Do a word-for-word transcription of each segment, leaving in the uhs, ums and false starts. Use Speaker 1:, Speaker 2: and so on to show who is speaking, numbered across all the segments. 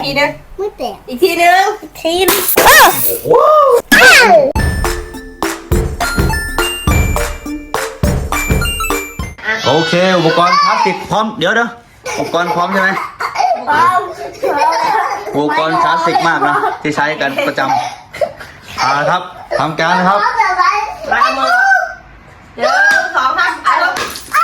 Speaker 1: ทีนึง
Speaker 2: ไม่แตก
Speaker 1: อีกทีนึง
Speaker 2: ทีนึง
Speaker 3: โอเคอุปกรณ์พลาสติกพร้อมเดี๋ยวเด้ออุปกรณ์พร้อมใช่ไหมอุปกรณ์คลาสสิกมากนะที่ใช้กันประจำอ่าครับทำการนะครับ
Speaker 1: ล้างมือเดี๋ยวสองครับอ่ะลูก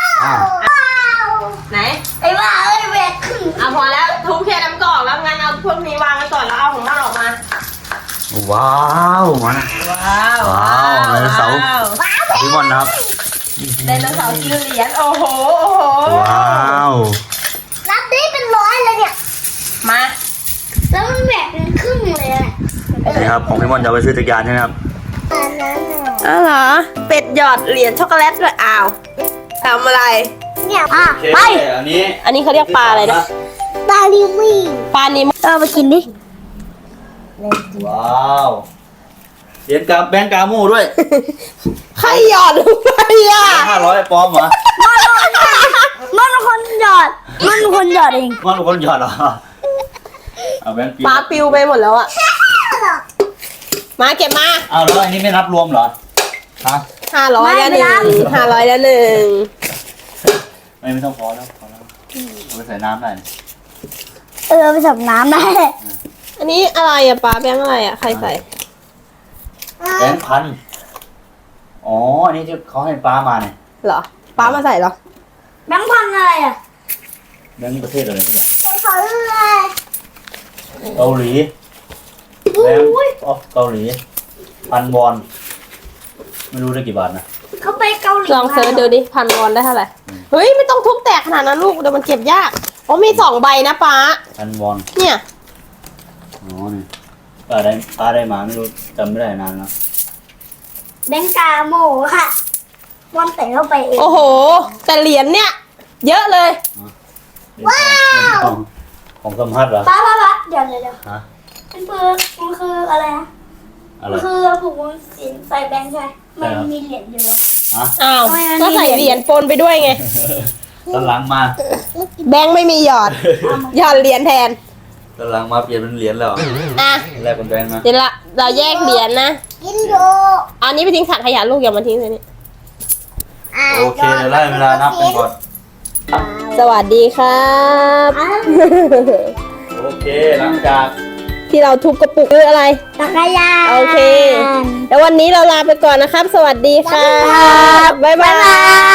Speaker 1: ไหน
Speaker 2: ไอ้บ้าเอ้ยแบกขึ้น
Speaker 1: อ่ะพอแล้วทุบแค่น้ำกรอกแล้วงั้นเอาพวกนี้วางกันก่อนแล้วเอาของมันออกมา
Speaker 3: ว้าวมานะ
Speaker 1: ว้าว
Speaker 3: ว้าวไดโนเสาร์พี่บอลนะครับ
Speaker 1: ไดโนเสาร์กินเหรียญโอ้โหโอ้โห
Speaker 3: ว้าว
Speaker 2: รับได้เป็นร้อยเลยเนี่ย
Speaker 1: มา
Speaker 2: แล้วมันแบกเป็นครึ่งเลยอ่ะ
Speaker 3: นี่ครับของพี่บอลจะไปซื้อจักรยานใช่ไหมครับ
Speaker 1: อ้าวเหรอเป็ดหยอดเหรียญช็อกโกแลตด้วยอ้าวทำอะไร
Speaker 2: เนี่ยอ่ะไป
Speaker 3: อันนี้
Speaker 1: อันนี้เขาเรียกปลาอะไรนะ
Speaker 2: ปลาลิมี่
Speaker 1: ปลานิม
Speaker 2: เออมากินดิ
Speaker 3: ว้าวเหรียญกาแบงก์กาโม่ด้วย
Speaker 1: ใครหยอดลงไปอ่ะ
Speaker 3: ห้าร้อยปลอมเหรอ
Speaker 2: มันคนหยอดมันคนหยอดเอง
Speaker 3: มันคนหยอดเหรอเอาแบงก์
Speaker 1: ปลาปิวไปหมดแล้วอ่ะมาเก็บมา
Speaker 3: เอาแล้วอันนี้ไม่นับรวมเหรอฮะ
Speaker 1: ห้าร้อยแล้วหนึ่งห้าร้อยแล้วหนึ่ง
Speaker 3: ไม่ไม่ต้องพอแล้วพอแล้วเอาไปใส่น้ำได้
Speaker 2: เออไปสับน้ำได้
Speaker 1: อันนี้อะไรอะปลาแบงค์อะไรอะใครใส่
Speaker 3: แบงค์พันอ๋ออันนี้ที่เขาให้ปลามาเนี่ย
Speaker 1: เหรอปลามาใส่เหรอ
Speaker 2: แบงค์พันอะไรอะ
Speaker 3: แบงค์ประเทศอะไรที่ไหน
Speaker 2: เป็นเขาอะไร
Speaker 3: เกาหลีแบงค์ออฟเกาหลีพันวอนไม่รู้ได้กี่บาทนะ
Speaker 2: เขาไปเกาหลี
Speaker 1: ลองเซิร์ชดูดิพันวอนได้เท่าไหร่เฮ้ยไม่ต้องทุบแตกขนาดนั้นลูกเดี๋ยวมันเก็บยากอ๋อมีสองใบนะป้า
Speaker 3: พันวอน
Speaker 1: เนี่ย
Speaker 3: อ๋อนี่ป้าได้ป้าได้มาไม่รู้จำไม่ได้นานแล้ว
Speaker 2: แบงกาโมค่ะวันแต่เข้าไปเอง
Speaker 1: โอ้โหแต่เหรียญเนี่ยเยอะเลย
Speaker 2: ว้าว
Speaker 3: ของสมพัฒน์เหรอ
Speaker 2: ป้าป้าป้าเดี๋ยวเดี๋ยวเดี๋ยวมันคือมันคืออะไรนะมันคือผูกสินใส่แบงค์ใช่มันมีเหรียญอยู่
Speaker 1: อ้าวก็ใส่เหรียญปนไปด้วยไง
Speaker 3: ตอนหลังมา
Speaker 1: แบงค์ไม่มีหยอดหยอดเหรียญแทน
Speaker 3: ตอนหลังมาเปลี่ยนเป็นเหรียญแล้ว
Speaker 1: อ่ะ
Speaker 3: แลกเป็นแบงค์นะ
Speaker 1: เดี๋ยวละเราแยกเหรียญนะ
Speaker 2: กินโย
Speaker 1: อันนี้ไปทิ้งถังขยะลูกอย่ามาทิ้งเลยนี่
Speaker 3: โอเคเดี๋ยวไล่เวลานับกันก่อน
Speaker 1: สวัสดีครับ
Speaker 3: โอเคหลังจาก
Speaker 1: ที่เราทุบกระปุกคืออะไร
Speaker 2: จักรยาน
Speaker 1: โอเคแล้ววันนี้เราลาไปก่อนนะครับสวัสดีครับบ๊ายบาย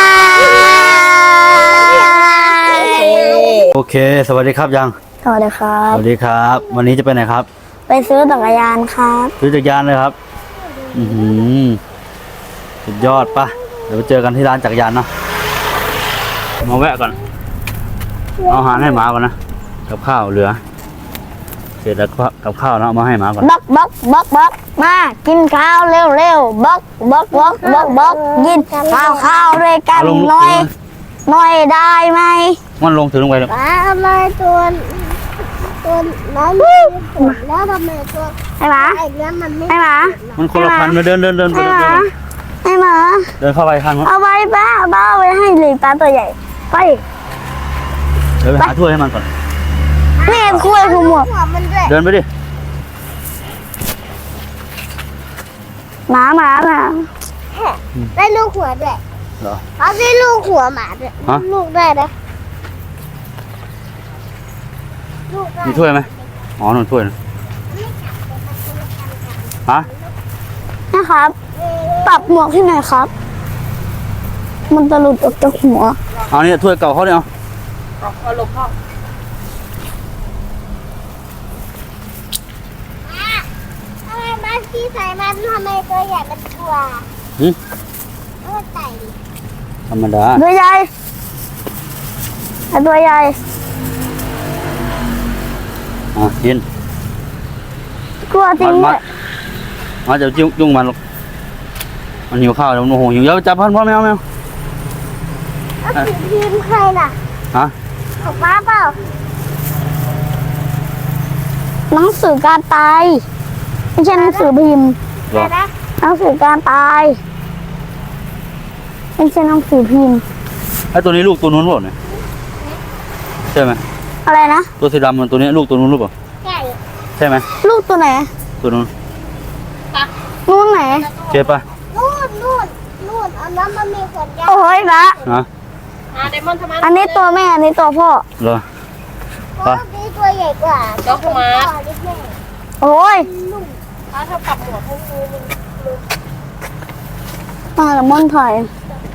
Speaker 3: โอเคสวัสดีครับยัง
Speaker 2: สวัสดีครับ
Speaker 3: สวัสดีครับวันนี้จะไปไหนครับ
Speaker 2: ไปซื้อจักรยานครับ
Speaker 3: ซื้อจักรยานเลยครับอือหือสุดยอดปะเดี๋ยวไปเจอกันที่ร้านจักรยานเนาะมาแวะก่อนเอาอาหารให้หมาก่อนนะกับข้าวเหลือเสร็จแล้วกับข้าวเนาะมาให้หมาก่อน
Speaker 2: บักบักบักบักมากินข้าวเร็วเร็วบักบักบักบักบักกินข้าวข้าวด้วยกันหน่อยหน่อยได้ไหม
Speaker 3: มันลงถือลงไปเลย
Speaker 2: ทำไมตัวตัวนั้นแล้วทำไมตัวไอ้หมาไอ้เนี้ยมันไม่ไอ้หมา
Speaker 3: มันคนละพันมาเดินเดินเดินไปเดิน
Speaker 2: ไอ้หมา
Speaker 3: เดินเข้าไปคัน
Speaker 2: เอาไปป้าป้าเอาไปให้เลยปลาตัวใหญ่ไป
Speaker 3: เดี๋ยวไปหาถ้วยให้มันก่อน
Speaker 2: นี่คุยกูหมด
Speaker 3: เดินไปดิ
Speaker 2: หมาหมาหมาได้ลูกหัวด้วย
Speaker 3: เหรอ
Speaker 2: เขาได้ลูกหัวหมาด้วยลูกได้นะ
Speaker 3: มีถ้วยไหมอ๋อหนึ่งถ้วยนะฮะ
Speaker 2: นะครับปรับหมวกที่ไหนครับมันจะหลุดออกจากหัว
Speaker 3: เอาเนี่ยถ้วยเก่าเขาเนี่ย
Speaker 1: เอาเอาลงพ่อ
Speaker 2: ทำไมบ้านพี่ใส่มันทำไมตัวใหญ่เป็นตัว
Speaker 3: หืม
Speaker 2: ตัวใหญ่
Speaker 3: ธรรมดา
Speaker 2: ตัวใหญ่ตัวใหญ่
Speaker 3: อ่ะกิน
Speaker 2: กลัวจริง
Speaker 3: มามาจะยุ่งยุ่งมันหรอกมันหิวข้าวแล้วมันโมโหหิวเยอะจับพันพ่อแมวแมว
Speaker 2: แล้วถือพิมพ์ใครล่ะ
Speaker 3: ฮะ
Speaker 2: ของป้าเปล่าหนังสือการตายไม่ใช่หนังสือพิมพ์หนังสือการตายไม่ใช่หนังสือพิมพ์
Speaker 3: ไอ้ตัวนี้ลูกตัวนู้นหรือเปล่าเนี่ยใช่ไหม
Speaker 2: อะไรนะ
Speaker 3: ตัวสีดำมันตัวนี้ลูกตัวนู้นหรือเปล่า
Speaker 2: ใช่
Speaker 3: ใช่ไหม
Speaker 2: ลูกตัวไหน
Speaker 3: ตัวนู้น
Speaker 2: นู่นไหน
Speaker 3: เก็บปะ
Speaker 4: นู่นนู่นนู่นอันนั้นมันมีขนยาว
Speaker 2: โอ้ยละ
Speaker 3: นะ
Speaker 1: อ่าเดมอนทำไม
Speaker 2: อันนี้ตัวแม่อันนี้ตัวพ่อ
Speaker 3: เหรอ
Speaker 4: เพราะนี่ตัวใหญ่กว่า
Speaker 1: ด็อกมา
Speaker 4: นิดหน่อย
Speaker 2: โอ้ย
Speaker 1: ถ้าเธอปรับหมวดให้ดูมัน
Speaker 2: มาละม่อนถอย
Speaker 1: ม